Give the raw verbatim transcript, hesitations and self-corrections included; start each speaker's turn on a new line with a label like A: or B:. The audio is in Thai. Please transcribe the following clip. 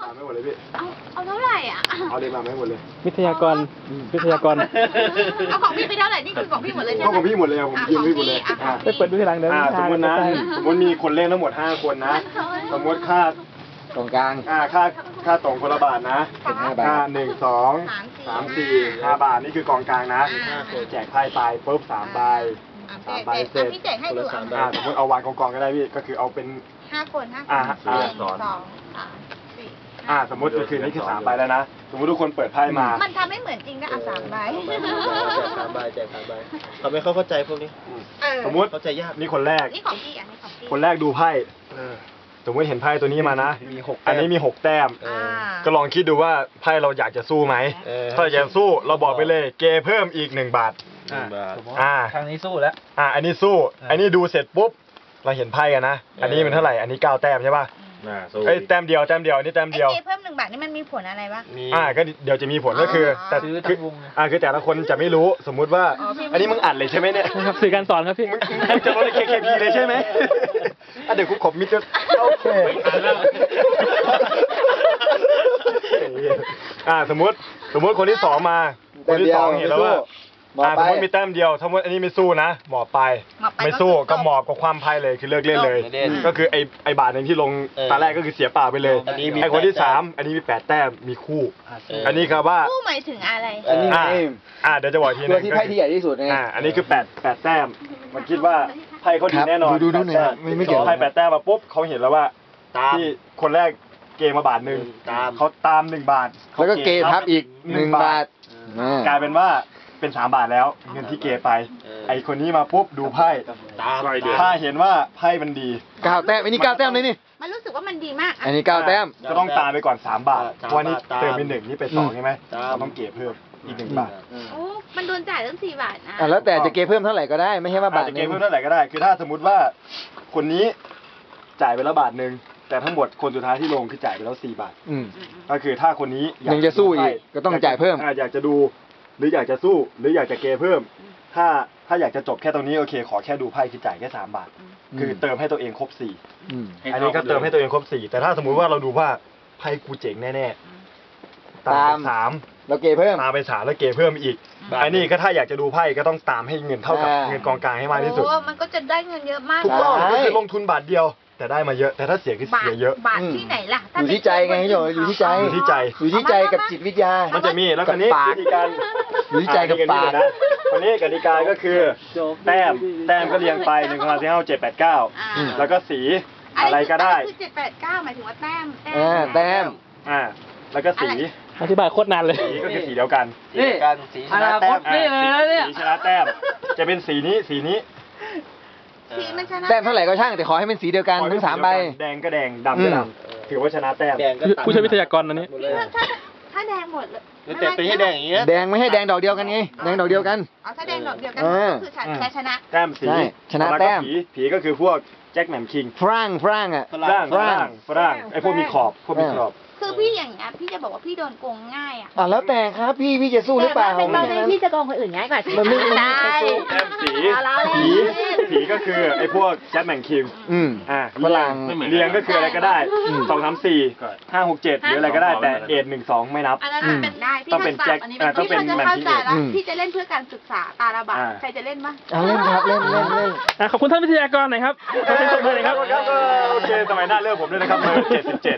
A: มาไม่หมดเลยพี่
B: เอาเอาเท่าไหร่อ่ะ
A: เอาเลยมาไม่หมดเลย
C: วิทยากรวิทยากร
B: เอาของพี่ไปเท่าไหร่นี่คือของพี่หมดเลยใช่ไหม
A: ของพี่หมดเลยผมยืมพี่หมดเลย
C: ไปเปิดดูทีหลังเดี๋ยว
A: สมมตินะสมมติมีคนเล่นทั้งหมดห้าคนนะสมมติค่า
D: ตรงกลาง
A: อ่าค่าค่าตรงคนละบาทนะค่าหนึ่งสองสามสี่ห้าบาทนี่คือกองกลางนะแจกไพ่ไปปุ๊บสามใบสามใบเสร็จ
B: พี่แจกให้ดู
A: อ่าสมมติเอาวางกองกองก็ได้พี่ก็คือเอาเป็น
B: ห้าคนห้าคน
A: อ่า
B: หนึ่งสองสามสี่
A: อ่าสมมติคือนี่คือสามใบแล้วนะสมมติทุกคนเปิดไพ่มา
B: มันทำไม่เหมือนจริงนะอ่ะสามใบ
D: แจกสามใบแจกสามใบเขาไม่เข้าใจพวกนี้
A: สมมติ
D: เข้าใจยาก
A: นี่คนแรก
B: นี่ของพี่อันนี้ของพี่
A: คนแรกดูไพ่สมมติเห็นไพ่ตัวนี้มานะอันนี้มีหกแต้มก็ลองคิดดูว่าไพ่เราอยากจะสู้ไหมถ้าอยากสู้เราบอกไปเลยเกเพิ่มอีกหนึ่งบาทอ่า
C: ทางนี้สู้แล้ว
A: อ่าอันนี้สู้อันนี้ดูเสร็จปุ๊บเราเห็นไพ่กันนะอันนี้เป็นเท่าไหร่อันนี้เก้าแต้มใช่ป่ะเอ้ยแต้มเดียวแต้มเดียวอันนี้แต้มเดียว
B: เกเพิ่มหนึ่งบาทนี่มันมีผลอะไรบ้าง
A: อ่าก็เดี๋ยวจะมีผลก็คือแต่คืออ่าคือแต่ละคนจะไม่รู้สมมุติว่าอันนี้มึงอัดเลยใช่ไหมเนี่ย
C: ครับสื่อการสอนครับพี่
A: มึงจะลดเคเคพีเลยใช่ไหมอ่ะเดี๋ยวกูขบมิดจะโอเคอ่าสมมติสมมติคนที่สองมาคนที่สองเห็นแล้วว่าอ่าสมมติมีแต้มเดียวสมมติอันนี้ไม่สู้นะหมอบไปไม่สู้ก็หมอบกับความไพ่เลยคือเลิกเล่นเลยก็คือไอไอบาทนึงที่ลงตาแรกก็คือเสียเปล่าไปเลยไอคนที่สามอันนี้มีแปดแต้มมีคู่อันนี้ครับว่า
B: คู่หมายถึงอะไร
D: อันนี้
A: อ่าเดี๋ยวจะบอกทีนึง
D: ตัวที่ไพ่ที่ใหญ่ที่สุดไง
A: อ่าอันนี้คือแปดแปดแต้มมันคิดว่าไพ่เขาดีแน่นอน
D: ดูดูหน่อยไม่ไม่เกี่ยว
A: ไพ่แปดแต้มมาปุ๊บเขาเห็นแล้วว่าที่คนแรกเกมมาบาทหนึ่งเขาตามหนึ่งบาท
D: แล้วก็เกทับอีกหนึ่งบาท
A: กลายเป็นว่าเป็นสามบาทแล้วเงินที่เกไปไอคนนี้มาปุ๊บดูไพ่ถ้าเห็นว่าไพ่มันดี
D: เก้าแต้มอันนี้เก้าแต้มเลยนี่
B: มันรู้สึกว่ามันดีมาก
D: อันนี้เก้าแต้ม
A: ก็ต้องตามไปก่อนสามบาทเพราะนี่เติมเป็นหนึ่งนี่เป็นสองใช่ไหมเราต้องเก็บเพิ่มอีกหนึ่งบาท
B: โอ้มันโดนจ่ายตั้งสี่บาทนะ
D: อ่ะแล้วแต่จะเก็บเพิ่มเท่าไหร่ก็ได้ไม่ใช่ว่าบาท
A: จะเก็บเพิ่มเท่าไหร่ก็ได้คือถ้าสมมติว่าคนนี้จ่ายไปแล้วบาทหนึ่งแต่ทั้งหมดคนสุดท้ายที่ลงคือจ่ายไปแล้วสี่บาทก็คือถ้าคนนี้
D: ยังจะสู้อีกก็ต้องจ่ายเพิ่ม
A: อยากจะดูหรืออยากจะสู้หรืออยากจะเกเพิ่มถ้าถ้าอยากจะจบแค่ตรงนี้โอเคขอแค่ดูไพ่คือจ่ายแค่สามบาทคือเติมให้ตัวเองครบสี่อันนี้ก็เติมให้ตัวเองครบสี่แต่ถ้าสมมุติว่าเราดูว่าไพ่กูเจ๋งแน่ๆตามสาม
D: แล้วเกเพิ่ม
A: ตามไปสามแล้วเกเพิ่มอีกอันนี้ก็ถ้าอยากจะดูไพ่ก็ต้องตามให้เงินเท่ากับเงินกองกลางให้มากที่สุด
B: มันก็จะได้เงินเยอะมาก
A: ถูกต้องก็คือลงทุนบาทเดียวแต่ได้มาเยอะแต่ถ้าเสียคือเสียเยอะ
B: บาทที่ไหนล่ะ
D: อยู่ที่ใจไงพี่โยอยู่ที่ใจ
A: อยู่ที่ใจ
D: อยู่ที่ใจกับจิตวิทยา
A: มันจะมีแล้วคนนี้วิธีการ
D: อยู่ที่ใจกับปาก
A: นะคนนี้กติกาก็คือแต้มแต้มก็เรียงไปหนึ่งสองสามสี่ห้าเจ็ดแปดเก้าแล้วก็สีอะไรก็ได้
B: คือเจ็ดแปดเก้าหมายถึงว่าแต้ม
D: แต้มแต้ม
A: อ่าแล้วก็สี
C: อธิบายโคตรนานเลย
A: สีก็คือสีเดียวกัน
D: นี่
A: สีชนะแต้มสีชนะแต้มจะเป็นสีนี้สีนี้
D: แต้มเท่าไหร่ก็ช่างแต่ขอให้เป็นสีเดียวกันทั้งสามใบ
A: แดงก็แดงดำก็ดำถือว่าชนะแต้ม
C: ผู้ช่วยวิทยากรอันนี้
B: ถ้าถ้าแดงหมดเลย
D: แต่เป็นให้แดงอย่างเงี้ยแดงไม่ให้แดงดอกเดียวกันไงแดงดอกเดียวกัน
B: อ๋อถ้าแดงดอกเดียวกันก็คือชนะ
A: แต้มสี
D: ชนะแต้ม
A: ผีก็คือพวกแจ็คแหม่มคิง
D: ฝรั่งฝรั่งอ่ะ
A: ฝรั่งฝรั่งฝรั่งไอพวกมีขอบพวกมีขอบ
B: คือพี่อย่างเงี้ยพี่จะบอกว่าพี่โดนโกงง่ายอ่ะ
D: อ่ะแล้วแต่ครับพี่พี่จะสู้หรือเปล่า
B: เป็นตอนนี้พี่จะโกงคนอื่นง่ายกว่า
D: มันไม่
B: ได้
A: แต้มสีผีผีก็คือไอพวกแจ็คแหม่มคิง
D: อืม
A: อ่าฝรั่งเรียงก็คืออะไรก็ได้สองสามสี่ห้าหกเจ็ดหรืออะไรก็ได้แต่เอ็ดหนึ่งสองไม่นับ
B: อันนั้นเป็นได้
A: ต้องเป็นแจ็คต้องเป็นแหม่มคิง
B: พี่จะเล่นเพื่อการศึกษาตาละบาทใครจะเล่นบ้าง
D: เล่นครับเล่นเล่นเล่น
C: ขอบคุณท่านวิทยากรหน่อยครับขอบคุณท่านเลยครับ
A: โอเคสมัยหน้าเลิกผมด้วยนะครับเบอร์เจ็ดสิบเจ็ด